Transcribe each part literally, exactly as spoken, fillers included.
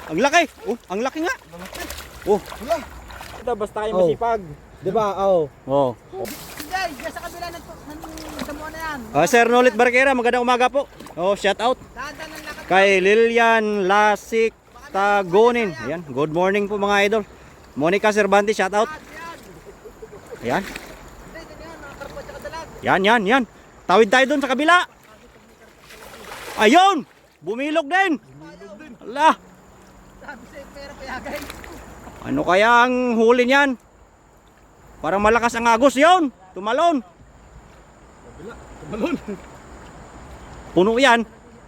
Ang laki. Oh, ang laki nga. Oh. Ito, basta kayo Oh. masipag. Di ba? Oo. Oh. Hindi, dyan sa kabila ng, ng damuhan na yan. Ah, Sir Nolit Barquera, magandang umaga po. Oh, shout out Dahan-dahan ng lakad. kay Lilian Lasik Tagonin. Ayan, good morning po mga idol. Monica Cervantes, shout out. Yan. Ayan. Hindi, dyan yan. Mga karpo at saka dalag. Yan, yan, yan. Tawid tayo doon sa kabila. Ayun! Bumilog din. Ala, Sabi sa'yo, pera payagay. ano kaya ang huli niyan? Parang malakas ang agos yon. Tumalon. Tumalon. Puno yan.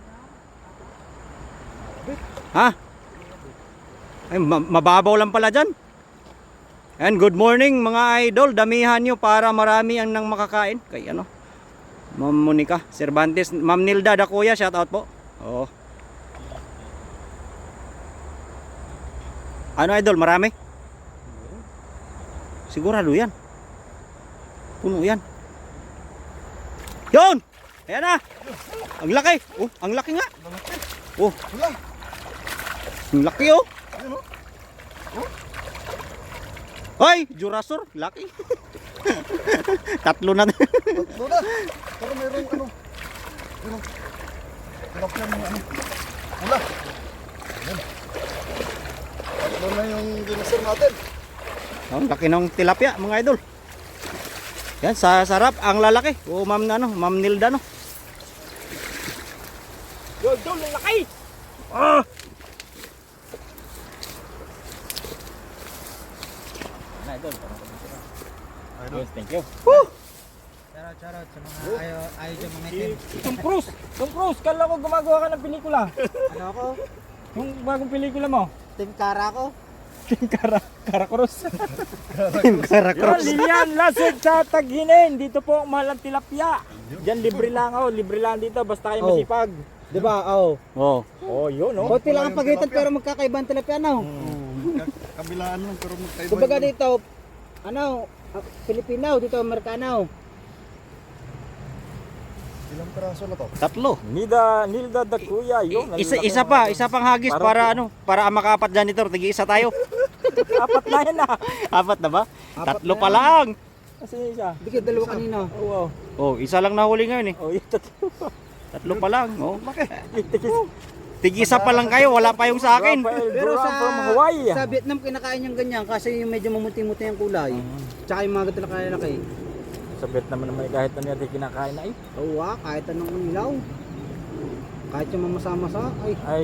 Ha? Ay, ma- mababaw lang pala dyan. And good morning mga idol. Damihan nyo para marami ang nang makakain. Kay ano? Ma'am Monica Cervantes. Ma'am Nilda Dakuya. Shout out po. Oo. Ano idol? Marami? Sigurado yan. Puno yan. Yun! Ayan na. Ang laki. Oh, ang laki nga. Oh. Ang laki oh. Hoy, Jurasur, laki. Tatlo na. Tatlo na. Pero mayroong ano. Mayroong. Hirap yan yung ano. Wala. Ayan. Tatlo na yung dinasir natin. Ang laki ng tilapia, mga idol. Yan, sa sarap, ang lalaki. Oh, ma'am na, no, ma'am Nilda, no. Yo, yo, lalaki. Ah! Idol. Thank you. Charot, charot sa mga ayaw, ayaw dyan mga itim. Tom Cruise. Tom Cruise, kala ko gumagawa ka ng pelikula. Ano ako? Yung bagong pelikula mo. Team Kara ko. Kara, Kara Cruz. Sarap. Yan, Lilian, Lasig sa Taghinin. Dito po ang mahal ang tilapia. Diyan libre lang oh, libre lang dito basta kayo Oh. masipag. Di ba? Oo. Oh. Oh, yun oh. Konti lang ang pagitan pero magkakaibang tilapia no. Kabilaan lang pero magkaiba. Kumbaga dito, ano, ah, Filipino, dito Amerikano. Ilang peraso na to? Tatlo. Nida, Nilda da Kuya, yun. Isa, ang laki isa ng pa, mga- isa pang hagis Parang- para ano, para ang makapat janitor, tigi isa tayo. Apat na yan ah. Apat na ba? Apat Tatlo na pa yan. lang. Kasi isa. Hindi ka dalawa kanina. Oh, wow. Oh, isa lang nahuli ngayon eh. Oh, yung tatlo. Tatlo pa lang. Oh. Tigis. Tigi isa pa lang kayo, wala pa yung sa akin. Rafael Pero Duran sa, from Hawaii. sa Vietnam kinakain yung ganyan kasi yung medyo mamuti-muti ang kulay. Tsaka yung mga ganito na kaya Sa Vietnam naman kahit ano natin kinakain na eh. Oo ah, kahit anong ilaw. Kahit yung mamasa-masa, ay. Ay.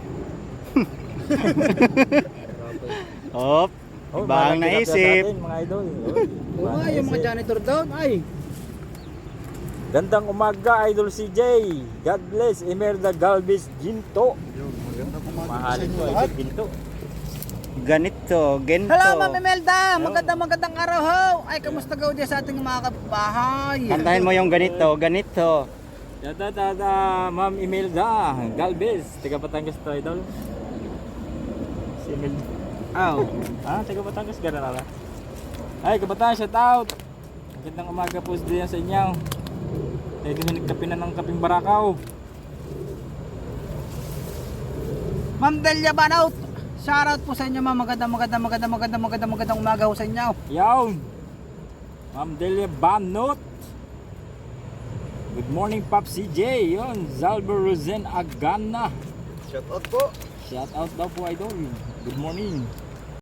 Hop. Oh, Ibang malaki tilapia naisip. sa atin, mga idol. Oh, Oo ibang nga, yung mga naisip. janitor doon, ay. Gandang umaga, Idol C J. God bless, Imelda Galvez Ginto. Mahalin ko, Idol Ginto. Ganito, gento. Hello, Ma'am Imelda. Magandang magandang araw ho. Ay, kamusta gaw dyan sa ating mga kapitbahay? Kantahin mo yung ganito, ganito. Dada, dada, Ma'am Imelda Galvez. Taga Batangas to, Idol. Si Imelda. Oh. Ah, taga Batangas, gano'n na lang. Ay, kabataan, shout out. Magandang umaga po diyan sa inyo. Tayo din nagkape na ng kaping barakaw. Ma'am Delia Banaut. Shoutout po sa inyo, ma'am. Magandang magandang magandang magandang magandang magandang umaga ho sa inyo. Yawn! Ma'am Delia Banot. Good morning, Pop C J. Yun, Zalber Rosen Agana. Shout out po. Shout out daw po, Idol. Good morning.